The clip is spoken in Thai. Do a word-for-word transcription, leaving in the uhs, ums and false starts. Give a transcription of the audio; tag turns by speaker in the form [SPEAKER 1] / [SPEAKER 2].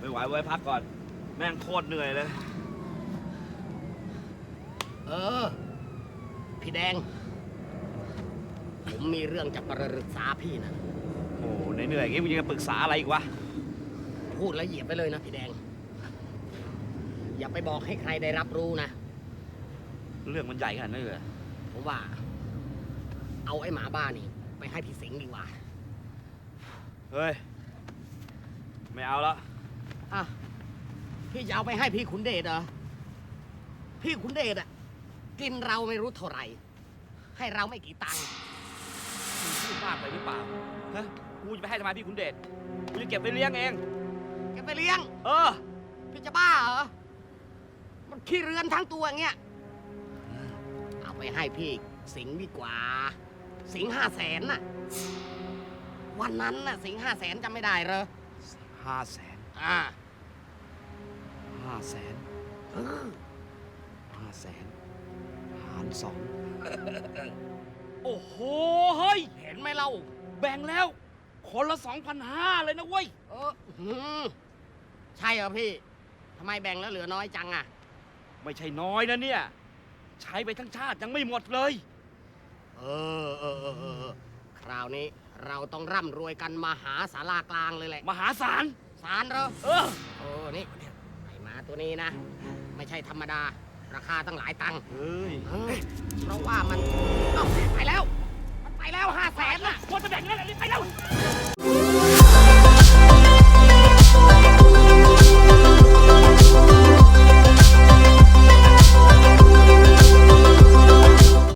[SPEAKER 1] ไม่ไหวไว้พักก่อน แม่งโคตรเหนื่อยเลย
[SPEAKER 2] เออ พี่แดง ผมมีเรื่องจะปรึกษาพี่นะ
[SPEAKER 1] โอ้เหนื่อยๆอย่างงี้มึงยังจะปรึกษาอะไรอีกวะ
[SPEAKER 2] พูดแล้วเหยียบไปเลยนะพี่แดง อย่าไปบอกให้ใครได้รับรู้นะ
[SPEAKER 1] เรื่องมันใหญ่ขนาดนั้นเลยเหรอ
[SPEAKER 2] ผมว่า เอาไอ้หมาบ้านี่ ไปให้พี่สิงห์ดีกว่า
[SPEAKER 1] เฮ้ย ไม่เอาละ
[SPEAKER 2] อ่ะ พี่จะเอาไปให้พี่ขุนเดชเหรอ พี่ขุนเดชอ่ะ กินเราไม่รู้เท่าไหร่ ให้เราไม่กี่ตังค์
[SPEAKER 1] มึงพูดมากไปหรือเปล่า ฮะ กูจะไปให้ทำไมพี่ขุนเดช กูจะเก็บไปเลี้ยงเอง
[SPEAKER 2] แกไปเลี้ยง
[SPEAKER 1] เออ
[SPEAKER 2] พี่จะบ้าเหรอ มันขี้เรือนทั้งตัวอย่างเงี้ย เอาไปให้พี่สิงห์ดีกว่า สิงห์ห้าแสนน่ะ วันนั้นน่ะ สิงห์ห้าแสนจำไม่ได้เหรอ
[SPEAKER 1] ห้าแสน
[SPEAKER 2] อ่า
[SPEAKER 1] ห้าแสน
[SPEAKER 2] เออ
[SPEAKER 1] ห้าแสน หารสอง โอ้โห เฮ้ย
[SPEAKER 2] เห็นไหมเรา
[SPEAKER 1] แบ่งแล้ว คนละสองพันห้าเลยนะเว้ย
[SPEAKER 2] เออหืมใช่เหรอพี่ ทำไมแบ่งแล้วเหลือน้อยจังอ่ะ
[SPEAKER 1] ไม่ใช่น้อยนะเนี่ย ใช้ไปทั้งชาติยังไม่หมดเลย
[SPEAKER 2] เออเออเออเออ คราวนี้เราต้องร่ำรวยกันมหาศาลากลางเลยแหละ
[SPEAKER 1] มหาศาล
[SPEAKER 2] สารเหรอ
[SPEAKER 1] เออ
[SPEAKER 2] โอ้นี่ไอ้หมาตัวนี้นะ ไม่ใช่ธรรมดา ราคาตั้งหลายตังค์
[SPEAKER 1] เฮ้ย
[SPEAKER 2] เออเพราะว่ามัน เอ้าไปแล้ว